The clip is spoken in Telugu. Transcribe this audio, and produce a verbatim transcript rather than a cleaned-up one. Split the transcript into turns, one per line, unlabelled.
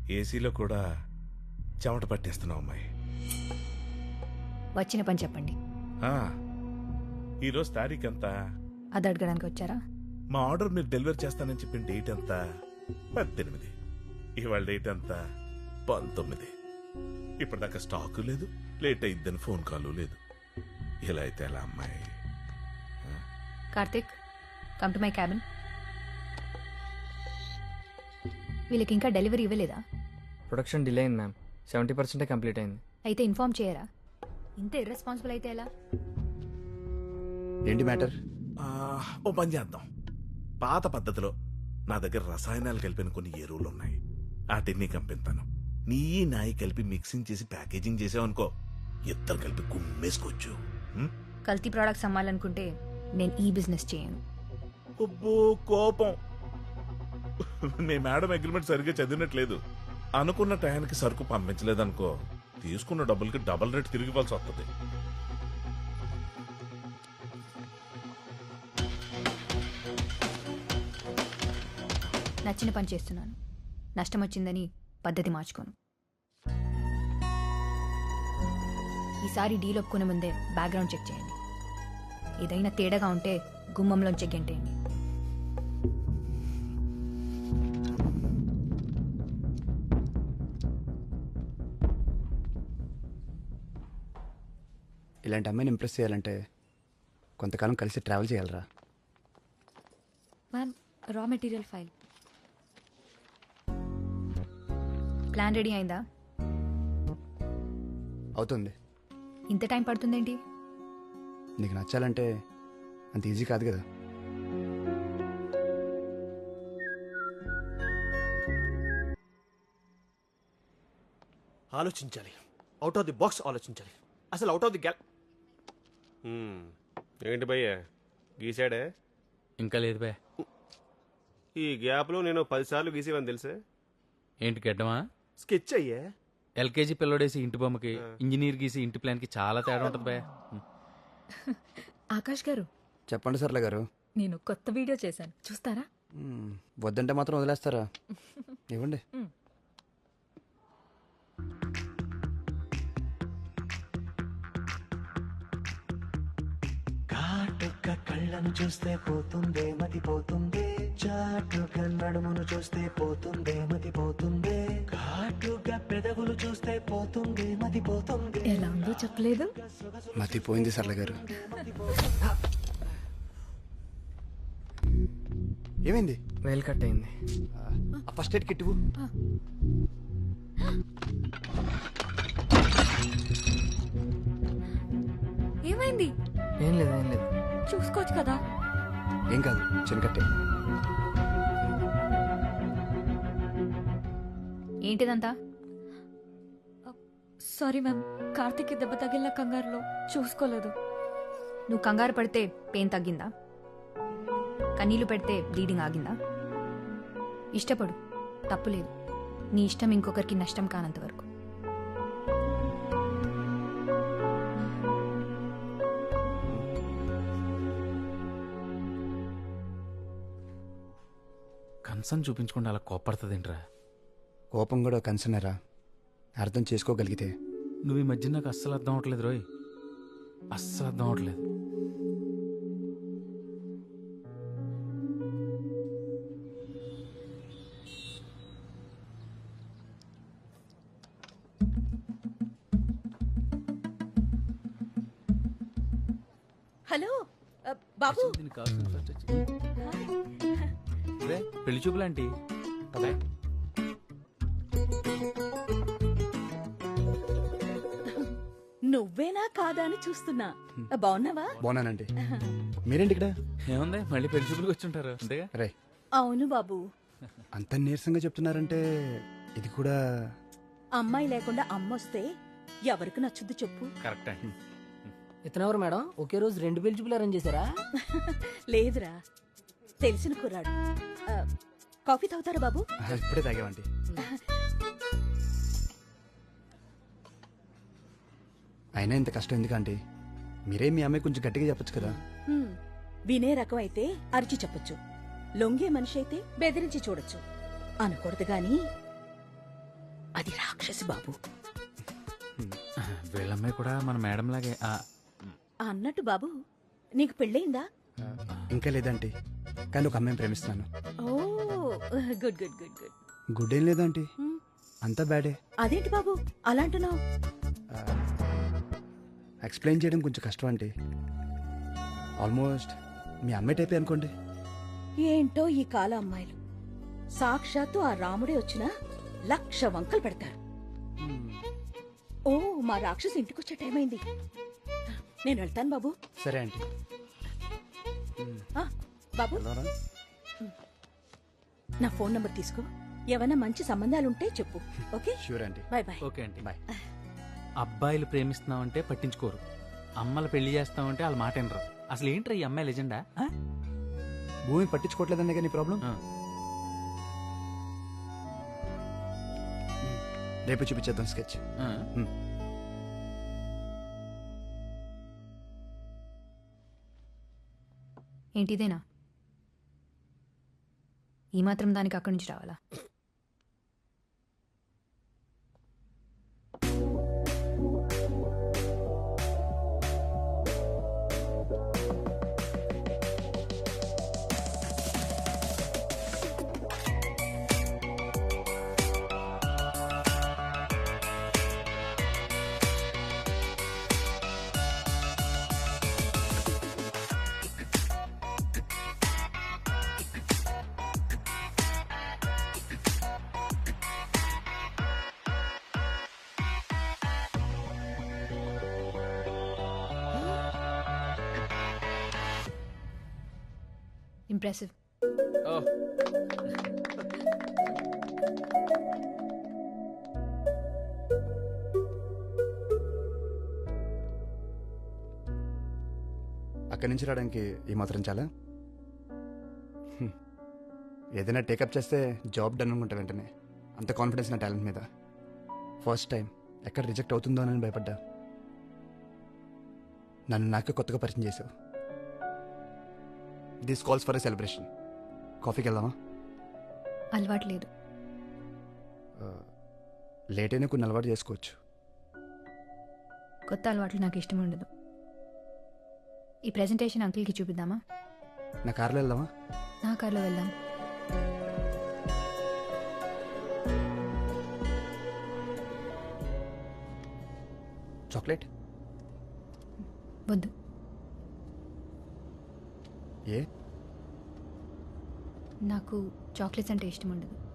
ఏసీలో కూడా చెమట పట్టేస్తున్నావు అమ్మాయి.
వచ్చిన పని చెప్పండి.
ఆ, ఈరోజు తారీఖు ఎంత?
అది అడగడానికి వచ్చారా?
మా ఆర్డర్ మీరు డెలివరీ చేస్తానని చెప్పిన డేట్ ఎంత? పద్దెనిమిది. ఇవాళ డేట్ ఎంత? పంతొమ్మిది. ఇప్పటిదాకా స్టాకు లేదు, లేట్ అయిద్దని ఫోన్ కాల్ లేదు. ఇలా అయితే ఎలా అమ్మాయి?
Karthik, come to my cabin. వీళ్ళకి ఇంకా డెలివరీ ఇవ్వలేదా?
ప్రొడక్షన్ డిలే అయింది మ్యామ్. సెవెంటీ పర్సెంటే కంప్లీట్ అయింది.
అయితే ఇన్ఫార్మ్ చేయరా? ఇంత ఇర్రెస్పాన్సిబుల్ అయితే ఎలా?
ఏంటి మ్యాటర్?
ఓ పని చేద్దాం. పాత పద్ధతిలో నా దగ్గర రసాయనాలు కలిపిన కొన్ని ఎరువులు ఉన్నాయి. వాటిని కంపిస్తాను. నీ నాయి కలిపి మిక్సింగ్ చేసి ప్యాకేజింగ్ చేసావనుకో, ఇద్దరు కలిపి కుమ్మేసుకోవచ్చు.
కల్తీ ప్రోడక్ట్స్ అమ్మాలనుకుంటే నేను ఈ బిజినెస్ చేయను.
అబ్బో కోపం. మీ మేడం అగ్రిమెంట్ సరిగ్గా చదివినట్లేదు. అనుకున్న టయానికి సరుకు పంపించలేదనుకో, తీసుకున్న డబ్బులకి డబల్ రేట్ తిరిగి ఇవ్వాల్సి వస్తుంది.
నచ్చిన పని చేస్తున్నాను. నష్టం వచ్చిందని పద్ధతి మార్చుకోను. ఈసారి డీల్ ఒప్పుకునే ముందే బ్యాక్గ్రౌండ్ చెక్ చేయండి. ఏదైనా తేడాగా ఉంటే గుమ్మంలోంచి గెంటేయండి.
ఇలాంటి అమ్మాయిని ఇంప్రెస్ చేయాలంటే కొంతకాలం కలిసి ట్రావెల్ చేయాలరా.
Ma'am, raw material file. Plan ready అయిందా?
అవుతుంది.
ఇంత టైం పడుతుందేంటి?
నీకు నచ్చాలంటే అంత ఈజీ కాదు కదా.
ఆలోచించాలి. అవుట్ ఆఫ్ ది బాక్స్ ఆలోచించాలి. అసలు అవుట్ ఆఫ్ ది గ్యాల్. ఏంటి భయ్య గీసాడే?
ఇంకా లేదు భయ్య.
ఈ గ్యాప్లో నేను పదిసార్లు గీసేవని తెలుసే.
ఏంటి గడ్డమా?
స్కెచ్ అయ్యే.
ఎల్కేజీ పిల్లడేసి ఇంటి బొమ్మకి, ఇంజనీర్ గీసి ఇంటి ప్లాన్ కి చాలా తేడా ఉంటుంది భయ్య.
ఆకాష్ గారు,
చెప్పండి సర్లే గారు.
నేను కొత్త వీడియో చేశాను, చూస్తారా?
మ్మ్. వద్దంటే మాత్రం వదిలేస్తారా? ఇవ్వండి.
కాటుక కళ్ళను చూస్తే పోతుందే మతి పోతుందే, చాటుగా నడుమును చూస్తే పోతుందే మతి పోతుందే, ఘాటుగా పెదవులు చూస్తే పోతుందే మతి పోతుందే.
ఎలా ఉందో చెప్పలేదు.
మతిపోయింది సర్లే గారు. ఏమైంది?
వేలు కట్ అయింది.
ఫస్ట్ ఎయిడ్ కిట్ ఇవ్వు.
ఏమైంది?
ఏం లేదు ఏం లేదు.
చూసుకోవచ్చు కదా.
ఏం కాదు, చిన్న కట్టే.
ఏంటిదంతా?
సారీ మ్యామ్, కార్తిక్ దెబ్బ తగిలిన కంగారులో చూసుకోలేదు.
నువ్వు కంగారు పడితే పెయిన్ తగ్గిందా? కన్నీళ్లు పెడితే బ్లీడింగ్ ఆగిందా? ఇష్టపడు, తప్పులేదు. నీ ఇష్టం ఇంకొకరికి నష్టం కానంత వరకు.
కన్సర్న్ చూపించకుండా అలా కోపడుతుందేంట్రా?
కోపం కూడా కన్సర్నరా, అర్థం చేసుకోగలిగితే.
నువ్వు ఈ మధ్య నాకు అస్సలు అర్థం అవట్లేదు రోయ్, అస్సలు అర్థం అవట్లేదు.
హలో బాబు.
పెళ్లి చూపులాంటి
నువ్వేనా కాదా అని చూస్తున్నా. బాగున్నావా?
బాగున్నానండి. మీరేంటి ఇక్కడ?
ఏముంది, మళ్ళీ పెళ్లి చూపులకు వచ్చి ఉంటారు అంతేగా.
రే,
అవును బాబు.
అంత నీరసంగా చెప్తున్నారంటే ఇది కూడా.
అమ్మాయి లేకుండా అమ్మొస్తే ఎవరికి నచ్చుద్ది చెప్పు?
కరెక్ట్ అండి.
ఇతనెవరు మేడం? ఒకే రోజు రెండు పెళ్లి చూపులు అరేంజ్ చేశారా?
లేదురా, తెలిసిన కుర్రాడు. ఆ, కాఫీ తాగుతారా బాబు?
ఇప్పుడే తాగామండి. అయినా ఇంత కష్టం ఎందుకంటే మీరే మీ అమ్మాయి కొంచెం గట్టిగా చెప్పొచ్చు కదా.
హ్మ్, వినే రకం అయితే అరిచి చెప్పొచ్చు, లొంగే మనిషి అయితే బెదిరించి చూడొచ్చు అనకూడదు గాని. అది రాక్షసి బాబు.
వీళ్ళమ్మాయి కూడా మన మేడం లాగే ఆ,
అన్నట్టు బాబు, నీకు పెళ్ళయిందా?
ఇంకా లేదంటీ, కానీ ఒక అమ్మాయిని ప్రేమిస్తున్నాను.
ఓ good good good good.
Good ఏం లేదంటీ, అంతా బ్యాడే.
అదేంటి బాబు అలా అంటున్నావు?
ఎక్స్ప్లెయిన్ చేయడం కొంచెం కష్టం అంటే ఆల్మోస్ట్ మీ అమ్మాయి టైపే అనుకోండి.
ఏంటో ఈ కాల అమ్మాయిలు, సాక్షాత్తు ఆ రాముడే వచ్చినా లక్ష వంకలు పెడతారు. ఓ మా రాక్షసి ఇంటికొచ్చే టైం అయింది, నేను వెళ్తాను బాబు.
సరే ఆంటీ.
ఆ, బాబు నా ఫోన్ నంబర్ తీసుకో, ఏమైనా మంచి సంబంధాలుంటే చెప్పు. Okay
sure aunty.
Bye bye.
Okay అండి.
బాయ్.
అబ్బాయిలు ప్రేమిస్తున్నామంటే పట్టించుకోరు, అమ్మలు పెళ్లి చేస్తామంటే వాళ్ళ మాట వినరు. అసలు ఏంట్రా ఈ అమ్మాయి లెజెండా?
భూమి పట్టించుకోవట్లేదనే కానీ ప్రాబ్లం. రేపు చూపించేద్దాం స్కెచ్.
ఏంటిదేనా? ఈ మాత్రం దానికి అక్కడి నుంచి రావాలా? ఇంప్రెసివ్.
అక్కడి నుంచి రావడానికి ఈ మాత్రం చాలా. హ్మ్. ఏదైనా టేకప్ చేస్తే జాబ్ డన్ అనుకుంటా వెంటనే. అంత కాన్ఫిడెన్స్ నా టాలెంట్ మీద. ఫస్ట్ టైం ఎక్కడ రిజెక్ట్ అవుతుందో అని భయపడ్డా. నన్ను నాకే కొత్తగా పరిచయం చేసావు. This calls for a celebration. కాఫీకి వెళ్దామా?
అలవాటు లేదు.
లేట్ అయినా కొన్ని అలవాటు చేసుకోవచ్చు.
కొత్త అలవాట్లు నాకు ఇష్టం ఉండదు. ఈ ప్రెజెంటేషన్ అంకుల్కి చూపిద్దామా?
నా కార్లో వెళ్దామా?
నా కార్లో వెళ్దాం.
చాక్లెట్
వద్దు.
ఏ?
నాకు చాక్లెట్స్ అంటే ఇష్టం ఉండదు.